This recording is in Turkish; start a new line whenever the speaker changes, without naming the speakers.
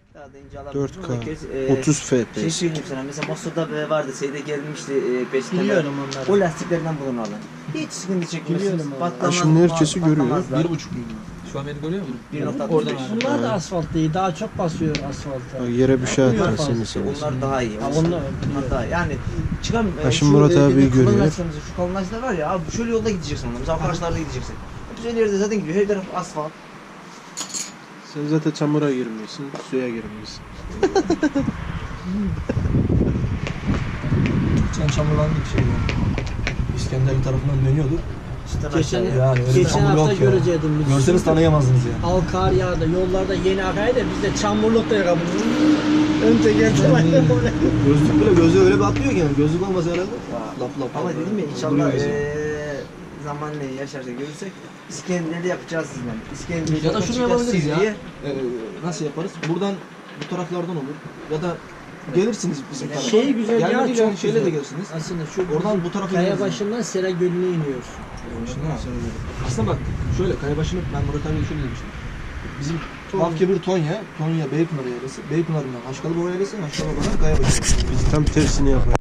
Daha da ince alabilirsin.
4K 30
Şey
FPS.
söyleyeyim sana, mesela Mosso'da vardı, şeyde gelmişti, Beşiktaş'ta.
Biliyorum onları.
O lastiklerden bulun alın. Hiç sıkıntı çekmezsiniz.
Biliyorum onları.
Patlamaz,
Şimdi herkesi görüyor.
patlamazlar.
1.5 Şu an beni görüyor musun?
1.65.
Bunlar da asfalt değil. Daha çok basıyor asfalta.
Bak, yere bir şey
Biliyor
atarsın
fazla.
mesela.
Onlar daha iyi.
Ha,
Onlar
onlar
daha iyi. Yani çıkan
şimdi Murat abi görüyor.
Şu kalınlaşlar var ya abi, şöyle yolda gideceksin onunla. Mesela arkadaşlarla gideceksin. Güzel yerde zaten gidiyor. Her taraf asfalt.
Sen zaten çamura girmiyorsun, suya girmiyorsun.
Geçen çamurlandık şeyde. İskenderli tarafından dönüyorduk.
Geçen,
Yani öyle bir
geçen
çamur
hafta
yok ya.
görecektim. biz.
Görseniz tanıyamazdınız ya.
Al kar yağdı. Yollarda yeni akaydı da biz de çamurluk da yakaladık. Ön teker var.
Gözlük bile gözü öyle bir atlıyor ki yani. Gözlük olmasa herhalde. Lap lap.
Ama
lap.
dedim ya, inşallah
Duruyor gözü.
zamanla yaşarsa görürsek İskender'de yapacağız sizden. İskender'de
Ya da şunu yapabiliriz ya.
diye.
Nasıl yaparız? Buradan bu taraflardan olur. Ya da gelirsiniz bizim tarafa.
Şey güzel ya,
Gelmediğiniz
çok
yani şeyle
güzel.
de gelirsiniz.
Aslında şu
Oradan bu tarafa
kaya
gelirsiniz.
başından Sera Gölü'ne iniyorsun.
Aslında bak şöyle Kayabaşı'nı ben Murat abiye şöyle demiştim. Bizim Lafkebir Tonya Beypınar yaylası. Beypınar'ından Aşkalıbaba yaylası, Aşkalıbaba'dan Kayabaşı.
Biz tam tersini yapar.